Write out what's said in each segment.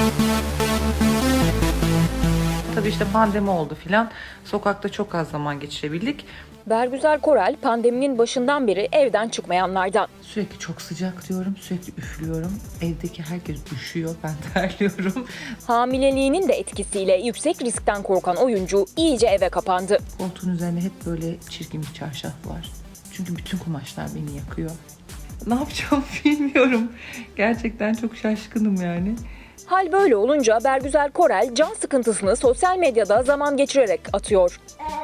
Tabii işte pandemi oldu filan. Sokakta çok az zaman geçirebildik. Bergüzar Korel pandeminin başından beri evden çıkmayanlardan. Sürekli çok sıcak diyorum, sürekli üflüyorum. Evdeki herkes üşüyor, ben terliyorum. Hamileliğinin de etkisiyle yüksek riskten korkan oyuncu iyice eve kapandı. Koltuğun üzerinde hep böyle çirkin bir çarşaf var. Çünkü bütün kumaşlar beni yakıyor. Ne yapacağımı bilmiyorum. Gerçekten çok şaşkınım yani. Hal böyle olunca Bergüzar Korel can sıkıntısını sosyal medyada zaman geçirerek atıyor.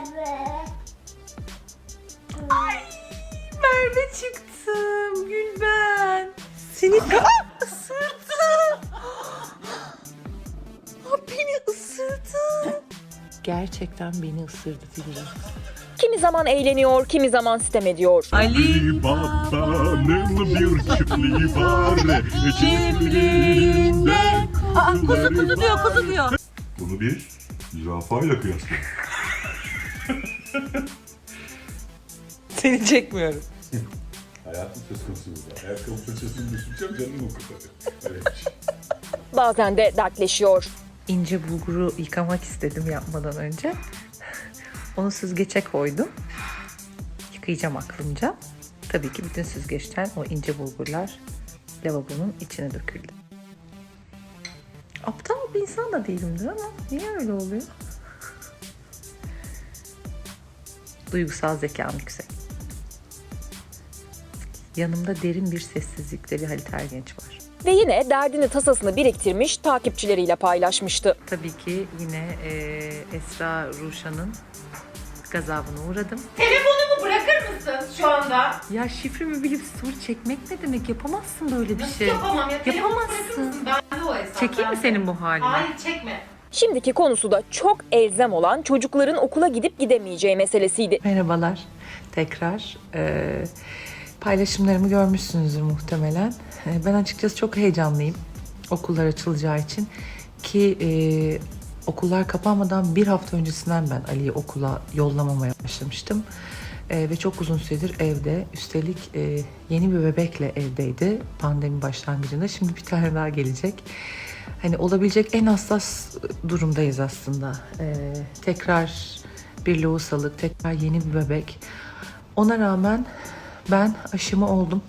Ay, Merve çıktım Gülben. Seni ısırdı. Beni ısırdı. Gerçekten beni ısırdı Firuze. Kimi zaman eğleniyor, kimi zaman sitem ediyor. Ali Baba'nın bir çiftliği var. Çiftliğinde Kuzu diyor. Bunu bir zürafayla kıyasla. Seni çekmiyorum. Hayatım söz konusu burada. Ayakkabı fırçasını düşüneceğim, canım okudu. Öyleymiş. Bazen de dertleşiyor. İnce bulguru yıkamak istedim yapmadan önce. Onu süzgece koydum. Yıkayacağım aklımca. Tabii ki bütün süzgeçten o ince bulgurlar lavabonun içine döküldü. Aptal bir insan da değilimdir ama niye öyle oluyor? Duygusal zekam yüksek. Yanımda derin bir sessizlikte bir Halit Ergenç var. Ve yine derdini tasasını biriktirmiş, takipçileriyle paylaşmıştı. Tabii ki yine Esra Ruşan'ın gazabına uğradım. Telefonumu bırakır mısın şu anda? Ya şifremi bilip story çekmek ne demek? Yapamazsın böyle bir Nasıl şey. yapamam ya? Telefonu bırakır Yapamazsın. mısın? Bende o hesap. Çekeyim mi bende. senin bu halini? Hayır çekme. Şimdiki konusu da çok elzem olan çocukların okula gidip gidemeyeceği meselesiydi. Merhabalar. Tekrar paylaşımlarımı görmüşsünüzdür muhtemelen. Ben açıkçası çok heyecanlıyım okullar açılacağı için. Ki okullar kapanmadan bir hafta öncesinden ben Ali'yi okula yollamamaya başlamıştım. Ve çok uzun süredir evde. Üstelik yeni bir bebekle evdeydi pandemi başlangıcında. Şimdi bir tane daha gelecek. Hani olabilecek en hassas durumdayız aslında. Tekrar bir lohusalık, tekrar yeni bir bebek. Ona rağmen ben aşımı oldum.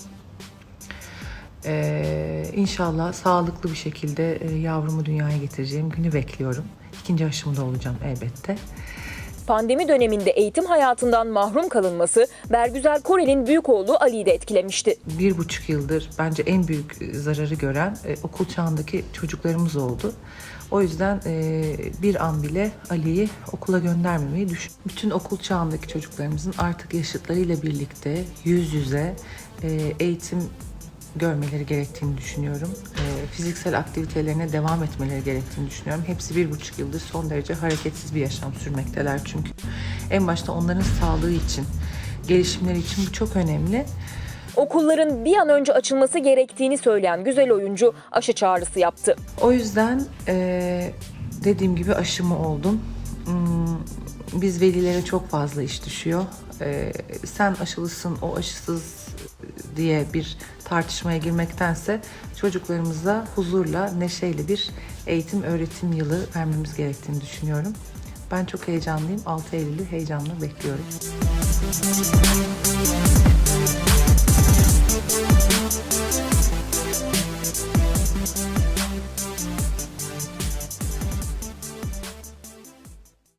İnşallah sağlıklı bir şekilde yavrumu dünyaya getireceğim günü bekliyorum. İkinci aşımda olacağım elbette. Pandemi döneminde eğitim hayatından mahrum kalınması Bergüzar Korel'in büyük oğlu Ali'yi de etkilemişti. 1,5 yıldır bence en büyük zararı gören okul çağındaki çocuklarımız oldu. O yüzden bir an bile Ali'yi okula göndermemeyi düşün. Bütün okul çağındaki çocuklarımızın artık yaşıtlarıyla birlikte yüz yüze eğitim görmeleri gerektiğini düşünüyorum. Fiziksel aktivitelerine devam etmeleri gerektiğini düşünüyorum. Hepsi 1,5 yıldır son derece hareketsiz bir yaşam sürmekteler çünkü. En başta onların sağlığı için, gelişimleri için bu çok önemli. Okulların bir an önce açılması gerektiğini söyleyen güzel oyuncu aşı çağrısı yaptı. O yüzden dediğim gibi aşımı oldum. Biz velilere çok fazla iş düşüyor. Sen aşılısın, o aşısız diye bir tartışmaya girmektense çocuklarımıza huzurla, neşeyle bir eğitim, öğretim yılı vermemiz gerektiğini düşünüyorum. Ben çok heyecanlıyım. 6 Eylül'ü heyecanla bekliyorum.